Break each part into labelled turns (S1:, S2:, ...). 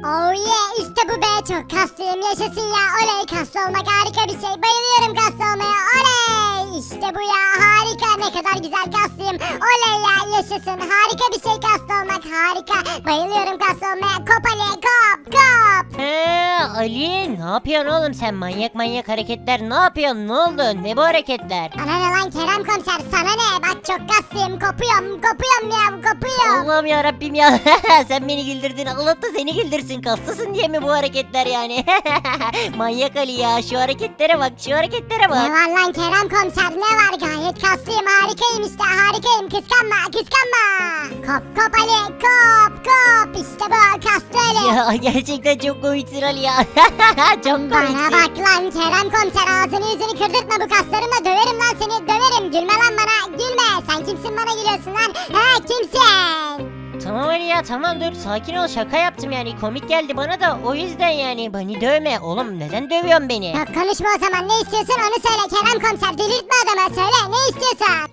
S1: Oh yeah, işte bu be, çok kaslıyım, yaşasın ya, oley, kaslı olmak harika bir şey, bayılıyorum kaslı olmaya, oley, işte bu ya, harika, ne kadar güzel kaslıyım, oley ya, yaşasın, harika bir şey kaslı olmak, harika, bayılıyorum kaslı olmaya, kop Ali, kop kop.
S2: Ali ne yapıyorsun oğlum sen, manyak manyak hareketler ne yapıyorsun, ne oldu, ne bu hareketler?
S1: Ana ne lan Kerem komiser, sana ne, bak çok kaslıyım, kopuyorum ya, kopuyorum.
S2: Allah'ım ya Rabbim ya. Sen beni güldürdün, Allah da seni güldürsün, kaslısın diye mi bu hareketler yani? Manyak Ali ya, şu hareketlere bak, şu hareketlere
S1: Ne
S2: bak.
S1: var lan Kerem komiser, ne var, gayet kaslıyım, harikayım işte, harikayım, kıskanma. Kop Ali, kop, işte bu kaslı Ali.
S2: Ya gerçekten çok komiksin Ali ya. Çok
S1: Bana
S2: komiksin.
S1: bak lan Kerem komiser, ağzını yüzünü kırdırtma, bu kaslarımla döverim lan seni, döverim, gülme lan bana, gülme, sen kimsin bana gülüyorsun lan, kimsin?
S2: Tamam Ali ya, tamam dur, sakin ol, şaka yaptım yani, komik geldi bana da o yüzden yani, beni dövme oğlum, neden dövüyorsun beni?
S1: Yok konuşma o zaman, ne istiyorsun onu söyle Kerem komiser, delirtme adamı, söyle ne istiyorsun?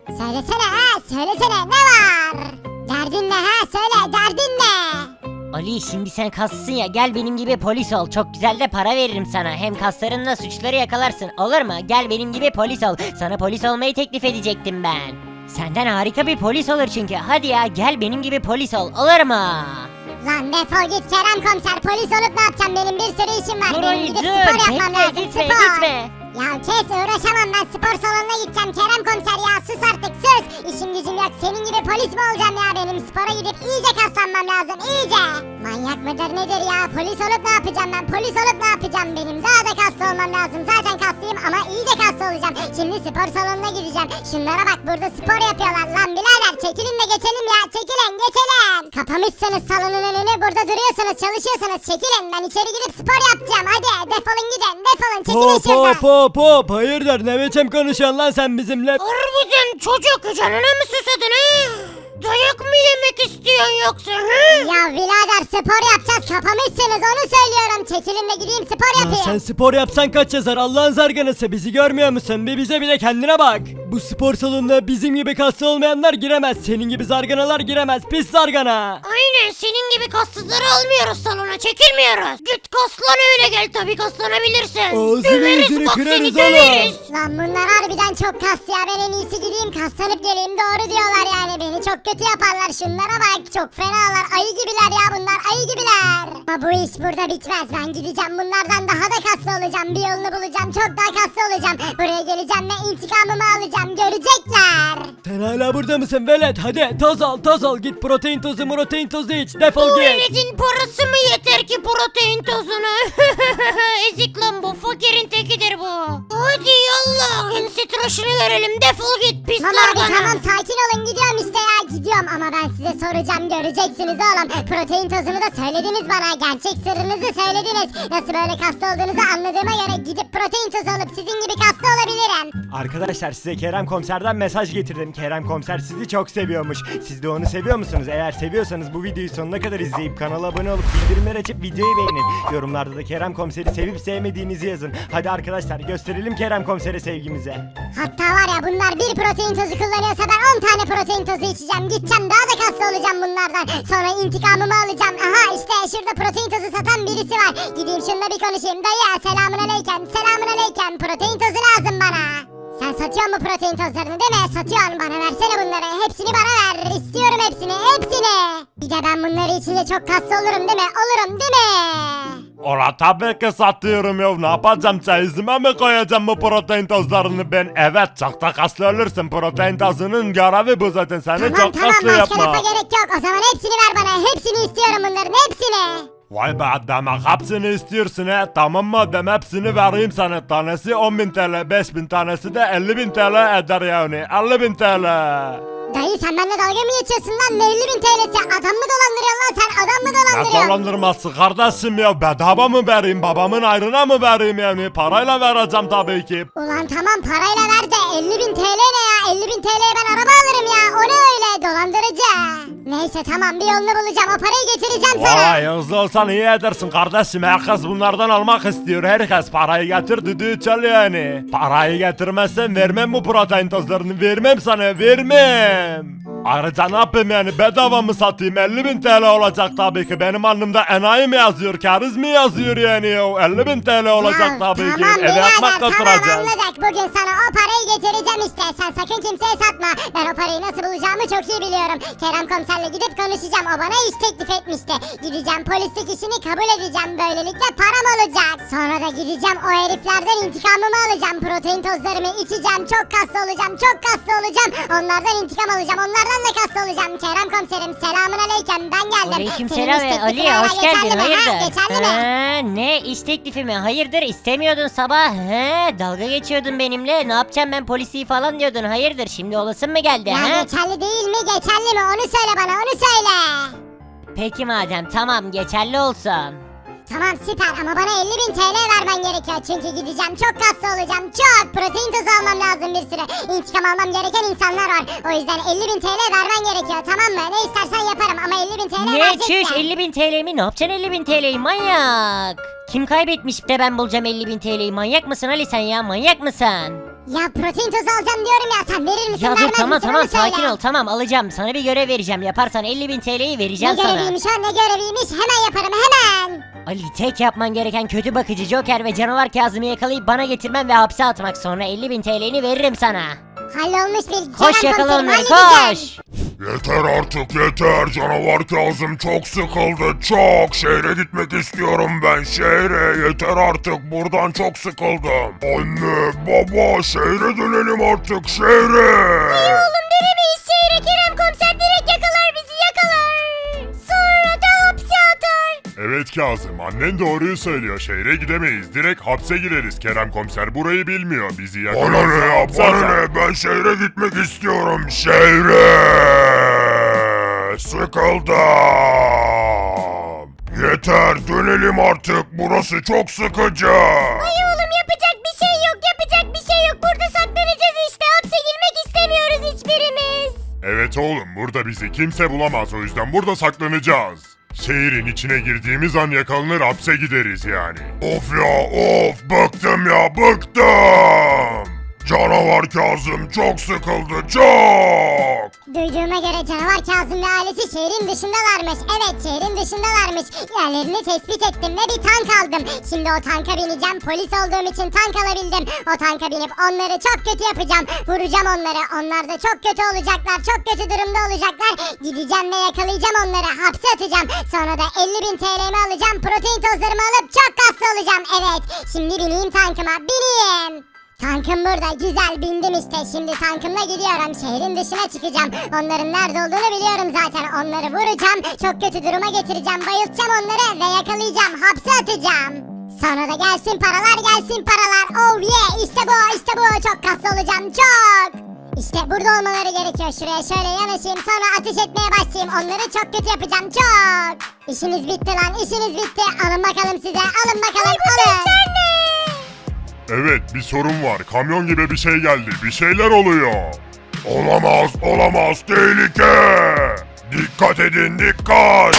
S1: Söylesene ne var? Derdin ne söyle, derdin ne?
S2: Ali şimdi sen kaslısın ya, gel benim gibi polis ol, çok güzel de para veririm sana, hem kaslarınla suçları yakalarsın, olur mu? Gel benim gibi polis ol, sana polis olmayı teklif edecektim ben. Senden harika bir polis olur çünkü, hadi ya gel benim gibi polis ol, olur mu?
S1: Lan defol git Kerem komiser, polis olup ne yapacağım, benim bir sürü işim var,
S2: Dur
S1: benim
S2: Ali
S1: gidip
S2: dur,
S1: spor yapmam
S2: bekle,
S1: lazım,
S2: gitme
S1: spor.
S2: gitme.
S1: Ya kes, uğraşamam ben, spor salonuna gideceğim Kerem komiser ya, sus artık sus. İşim gücüm yok, senin gibi polis mi olacağım ya, benim spora gidip iyice kaslanmam lazım, iyice. Manyak mıdır nedir ya, polis olup ne yapacağım ben, polis olup ne yapacağım, benim daha da kaslı olmam lazım, zaten kaslıyım ama iyice kaslı olacağım. Şimdi spor salonuna gideceğim, şunlara bak burada spor yapıyorlar lan birader, çekilin de geçelim ya, çekilin geçelim. Kapamışsınız salonun önünü, burada duruyorsunuz, çalışıyorsunuz, çekilin, ben içeri girip spor yapacağım, hadi defolun gidin, defolun, çekilin şuradan.
S3: Hop hayırdır, ne biçim konuşuyorsun lan sen bizimle?
S2: Harbiden çocuk, canına mı susadın he? Dayak mı yemek istiyorsun yoksa he?
S1: Ya birader spor yapacağız, kapamışsınız onu söylüyorum, çekilin de gideyim spor
S3: Ya
S1: yapayım.
S3: sen spor yapsan kaç yazar, Allah'ın zarganası, bizi görmüyor musun? Bir bize bile kendine bak. Bu spor salonuna bizim gibi kaslı olmayanlar giremez, senin gibi zarganalar giremez, pis zargana.
S2: Aynen, senin gibi kassızları almıyoruz salona, çekilmiyoruz. Git kaslan öyle gel, tabii kaslanabilirsin.
S3: Ağzını yüzünü
S2: bak, seni
S3: kırarız
S2: döveriz.
S1: Lan bunlar harbiden çok kas ya, ben en iyisi gideyim kaslanıp geleyim, doğru diyorlar yani, beni çok kötü yaparlar, şunlara bak çok fenalar, ayı gibiler ya bunlar, ayı gibiler. Ama bu iş burada bitmez, ben gideceğim bunlardan daha da kaslı olacağım, bir yolunu bulacağım, çok daha kaslı olacağım, buraya geleceğim ve intikamımı alacağım, görecekler.
S3: Sen hala burada mısın velet? Hadi toz al, git protein tozu iç, defol
S2: Bu
S3: git.
S2: veletin parası mı yeter ki protein tozunu? Ezik lan bu, fakirin tekidir bu. Hadi yallah, ensi tıraşını görelim, defol git pis
S1: Tamam abi
S2: zargana.
S1: tamam, sakin olun, gidiyorum işte ya, gidiyorum ama ben size soracağım, göreceksiniz oğlum. Protein tozunu da söylediniz bana, gerçek sırrınızı söylediniz. Nasıl böyle kaslı olduğunuzu anladığıma göre gidip protein tozu alıp sizin gibi kaslı olabilirim.
S3: Arkadaşlar size Kerem Komiser'den mesaj getirdim. Kerem Komiser sizi çok seviyormuş. Siz de onu seviyor musunuz? Eğer seviyorsanız bu videoyu sonuna kadar izleyip kanala abone olup bildirimler açıp videoyu beğenin. Yorumlarda da Kerem Komiser'i sevip sevmediğinizi yazın. Hadi arkadaşlar gösterelim Kerem Komiser'e sevgimizi.
S1: Hatta var ya, bunlar bir protein tozu kullanıyorsa ben 10 tane protein tozu içeceğim. Gideceğim daha da kaslı olacağım bunlardan. Sonra intikamımı alacağım. Aha işte şurada protein tozu satan birisi var. Gideyim şununla bir konuşayım. Dayı selamun aleyküm. Protein tozu lazım bana. Sen satıyorsun bu protein tozlarını değil mi? Satıyorsun, bana versene bunları. Hepsini bana ver. İstiyorum hepsini. Bir de ben bunları içince çok kaslı olurum değil mi? Olurum değil mi?
S4: Ola tabii ki satıyorum ya. Ne yapacağım, çeyizime mi koyacağım bu protein tozlarını ben? Evet, çok da kaslı olursun. Protein tozunun görevi bu zaten, seni
S1: Tamam
S4: çok
S1: tamam,
S4: kaslı
S1: başka
S4: yapma.
S1: lafa gerek yok. O zaman hepsini ver bana. Hepsini istiyorum bunların, hepsini.
S4: Vay be, demek hepsini istiyorsun he. Tamam madem, hepsini vereyim sana. Tanesi 10.000 TL, 5.000 tanesi de 50.000 TL eder yani. 50.000 TL.
S1: Dayı sen benimle dalga mı geçiyorsun lan? Ne 50.000 TL'si? Adam mı dolandırıyorsun lan sen? Adam mı
S4: Ne
S1: dolandırıyorsun?
S4: dolandırması kardeşim ya, bedava mı vereyim, babamın ayrına mı vereyim yani, parayla vereceğim tabii ki.
S1: Ulan tamam, parayla ver de 50.000 TL ne ya? 50.000 TL'ye ben araba alırım ya. O ne öyle dolandırıcı? Neyse tamam bir yolunu bulacağım. O parayı getireceğim sana.
S4: Vay hızlı olsan iyi edersin kardeşim. Herkes bunlardan almak istiyor. Herkes parayı getir düdüğü çal yani. Parayı getirmezsen vermem bu protein tozlarını. Vermem sana vermem. Ayrıca ne yapayım yani bedava mı satayım 50.000 TL olacak tabii ki benim alnımda enayi mi yazıyor kariz mi yazıyor yani ya 50.000 TL olacak
S1: Ya,
S4: tabii ki
S1: tamam
S4: eve
S1: birader,
S4: ekmek
S1: tamam
S4: götüreceğiz.
S1: anladık. Bugün sana o parayı getireceğim işte. Sen sakın kimseye satma. Ben o parayı nasıl bulacağımı çok iyi biliyorum. Kerem komiserle gidip konuşacağım. O bana iş teklif etmişti. Gideceğim polislik işini kabul edeceğim. Böylelikle param olacak. Sonra da gideceğim o heriflerden intikamımı alacağım. Protein tozlarımı içeceğim. Çok kaslı olacağım. Çok kaslı olacağım. Onlardan intikam alacağım. Onlardan da kaslı olacağım. Kerem komiserim selamun aleyküm. Ben geldim.
S2: Aleykümselam
S1: Senin iş
S2: Ali
S1: teklifin hala
S2: hoş geldin
S1: geçerli mi? Ha,
S2: hayırdır?
S1: geçerli mi?
S2: Ne iş teklifi mi? Hayırdır istemiyordun sabah. Dalga geçiyordun benimle. Ne yapacağım ben polisi falan diyordun. Hayırdır şimdi olasın mı geldi?
S1: Ya
S2: Ha?
S1: geçerli değil mi? Geçerli mi? Onu söyle bana. Onu söyle.
S2: Peki madem tamam geçerli olsun.
S1: Tamam süper ama bana 50.000 TL vermen gerekiyor. Çünkü gideceğim çok kaslı olacağım. Çok protein tozu almam lazım bir sürü. İntikam almam gereken insanlar var. O yüzden 50.000 TL vermen gerekiyor tamam mı? Ne istersen yaparım ama 50.000 TL
S2: Ne
S1: vereceksin.
S2: çüş 50.000 TL mi? Ne yapacaksın 50.000 TL'yi manyak? Kim kaybetmiş de ben bulacağım 50.000 TL'yi manyak mısın Ali sen ya manyak mısın?
S1: Ya protein tozu alacağım diyorum ya. Sen verir misin
S2: Ya dur
S1: vermez
S2: tamam
S1: misin?
S2: tamam
S1: Onu söyle.
S2: sakin ol tamam alacağım sana bir görev vereceğim yaparsan 50.000 TL'yi
S1: Ne
S2: vereceğim sana.
S1: göreviymiş o ne göreviymiş hemen yaparım hemen.
S2: Ali tek yapman gereken kötü bakıcı Joker ve canavar Kazım'ı yakalayıp bana getirmen ve hapse atmak sonra 50.000 TL'ni veririm sana.
S1: Hallolmuş bir
S2: Koş
S1: Kerem
S2: yakala
S1: komiserim,
S2: onları
S1: halledeceğim.
S2: koş.
S4: Yeter artık yeter canavar Kazım çok sıkıldı çok şehre gitmek istiyorum ben şehre yeter artık buradan çok sıkıldım. Anne baba şehre dönelim artık şehre.
S1: Oğlum dönemeyiz şehre Kerem komiser direkt yakalar bizi yakalar. Sonra da hapse atar.
S4: Evet Kazım annen doğruyu söylüyor şehre gidemeyiz direkt hapse gireriz Kerem komiser burayı bilmiyor bizi yakalarsa bana ne ya bana ne ben şehre gitmek istiyorum şehre sıkıldım yeter dönelim artık burası çok sıkıcı.
S1: Ay oğlum yapacak bir şey yok yapacak bir şey yok. Burada saklanacağız işte hapse girmek istemiyoruz hiçbirimiz.
S4: Evet oğlum burada bizi kimse bulamaz o yüzden burada saklanacağız. Şehrin içine girdiğimiz an yakalanır hapse gideriz yani. Of ya of bıktım ya bıktım. Canavar Kazım çok sıkıldı çok.
S1: Duyduğuma göre canavar Kazım ve ailesi şehrin dışındalarmış. Evet şehrin dışındalarmış. Yerlerini tespit ettim ve bir tank aldım. Şimdi o tanka bineceğim. Polis olduğum için tank alabildim. O tanka binip onları çok kötü yapacağım. Vuracağım onları. Onlar da çok kötü olacaklar. Çok kötü durumda olacaklar. Gideceğim ve yakalayacağım onları. Hapse atacağım. Sonra da 50.000 TL'mi alacağım. Protein tozlarımı alıp çok kaslı olacağım. Evet. Şimdi bineyim tankıma. Bineyim. Tankım burada güzel bindim işte şimdi tankımla gidiyorum şehrin dışına çıkacağım onların nerede olduğunu biliyorum zaten onları vuracağım çok kötü duruma getireceğim bayıltacağım onları ve yakalayacağım hapse atacağım. Sonra da gelsin paralar oh yeah işte bu çok kaslı olacağım çok. İşte burada olmaları gerekiyor şuraya şöyle yanaşayım sonra ateş etmeye başlayayım onları çok kötü yapacağım çok. İşiniz bitti lan işiniz bitti alın bakalım size alın bakalım alın.
S4: Evet bir sorun var kamyon gibi bir şey geldi bir şeyler oluyor. Olamaz tehlike. Dikkat edin dikkat.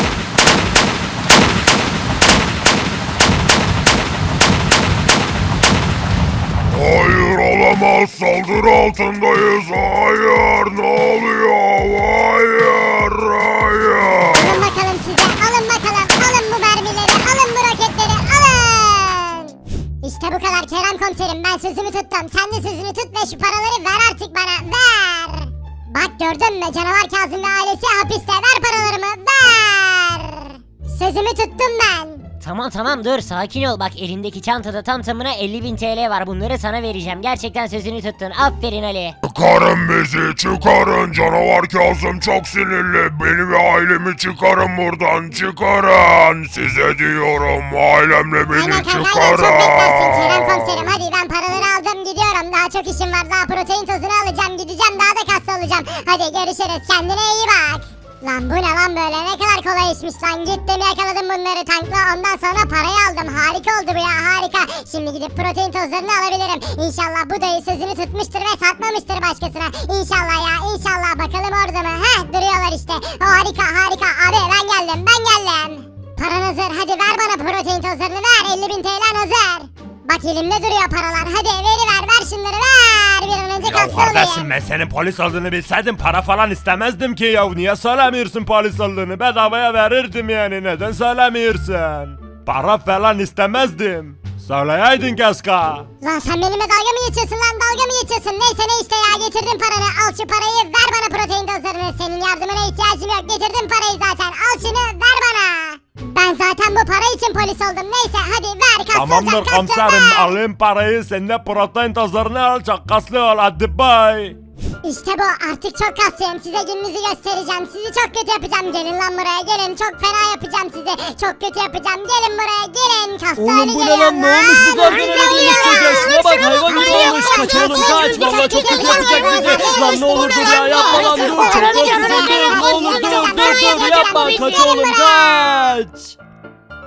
S4: Hayır olamaz saldırı altındayız hayır ne oluyor hayır.
S1: Alın bakalım size alın bakalım alın bu mermileri alın bu roketleri alın. İşte bu kadar Kerem komiserim ben sözümü tuttum sen de sözünü tut ve şu paraları ver artık bana ver. Bak gördün mü canavar Kazım ve ailesi hapiste ver paralarımı ver. Sözümü tuttum ben.
S2: Tamam dur sakin ol bak elindeki çantada tam tamına 50.000 TL var bunları sana vereceğim gerçekten sözünü tuttun aferin Ali.
S4: Çıkarın bizi çıkarın canavar Kazım çok sinirli beni ve ailemi çıkarın buradan çıkarın size diyorum ailemle beni
S1: Aynen kanka
S4: çıkarın.
S1: aynen çok beklersin Kerem komiserim hadi ben paraları aldım gidiyorum daha çok işim var daha protein tozunu alacağım gideceğim daha da kaslı olacağım. Hadi görüşürüz kendine iyi bak. Lan bu ne lan böyle, ne kadar kolay işmiş lan. Gittim yakaladım bunları tankla, ondan sonra parayı aldım. Harika oldu bu ya, harika. Şimdi gidip protein tozlarını alabilirim. İnşallah bu dayı sözünü tutmuştur ve satmamıştır başkasına. İnşallah ya, inşallah. Bakalım orada mı? Heh, duruyorlar işte. Harika harika abi, ben geldim. Paran hazır, hadi ver bana protein tozlarını, ver. 50.000 TL hazır. Bak elimde duruyor paralar, hadi ver şunları, ver. Bir an önce
S4: Ya
S1: kaslı
S4: kardeşim
S1: olayım.
S4: ben senin polis olduğunu bilseydim para falan istemezdim ki ya. Niye söylemiyorsun polis olduğunu? Bedavaya verirdim yani. Neden söylemiyorsun? Para falan istemezdim. Söyleyeydin keşke.
S1: Lan sen benimle dalga mı geçiyorsun lan, dalga mı geçiyorsun? Neyse ne işte ya, getirdim paranı. Al şu parayı, ver bana protein tozlarını. Senin yardımına ihtiyacım yok, getirdim parayı zaten. Al şunu, ver bana. Ben zaten bu para için polis oldum. Neyse hadi ver, kaslı
S4: Tamamdır
S1: olacak, kaslı
S4: komiserim,
S1: ver.
S4: alayım parayı, sen de protein tozlarını al, çok kaslı ol, hadi bay.
S1: İşte bu, artık çok kaslıyım. Size gününüzü göstereceğim. Sizi çok kötü yapacağım. Gelin lan buraya, gelin. Çok fena yapacağım sizi. Çok kötü yapacağım. Gelin buraya, gelin. Kaslı
S5: Oğlum
S1: hale
S5: bu ne
S1: gelin
S5: lan, ne olmuş bu
S1: lan.
S5: zaten öyle dönüşecek. Şuna bak, hayvan gibi olmuş. Kaçalım kaç, valla çok kötü yapacak bizi. Lan ne olur dur ya, yapma lan, dur. Çok korkuyorum, dur, ne olur dur yapma, kaç oğlum kaç.